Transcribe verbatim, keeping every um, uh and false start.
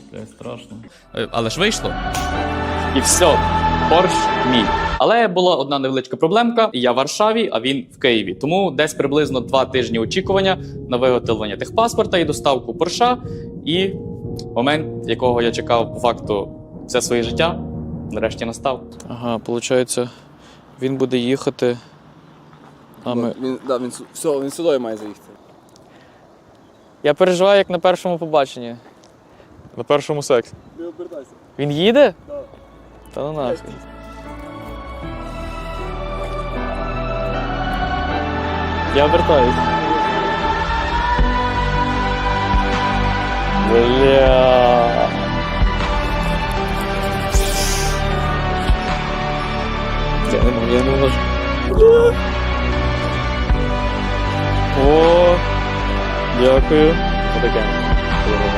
Блядь, страшно. Е, Але ж вийшло. І все, борщ мій. Але була одна невеличка проблемка. Я в Варшаві, а він в Києві. Тому десь приблизно два тижні очікування на виготовлення техпаспорта і доставку борща. І момент, якого я чекав по факту все своє життя, нарешті настав. Ага, виходить, він буде їхати. А ми... Він, да, він, все, він сюди має заїхати. Я переживаю, як на першому побаченні. На першому сексі. Не обертайся. Він їде? Так. Та ну нахуй. Я вертаюсь. Бля. Я не можу, я не можу. О, дякую. Отаке.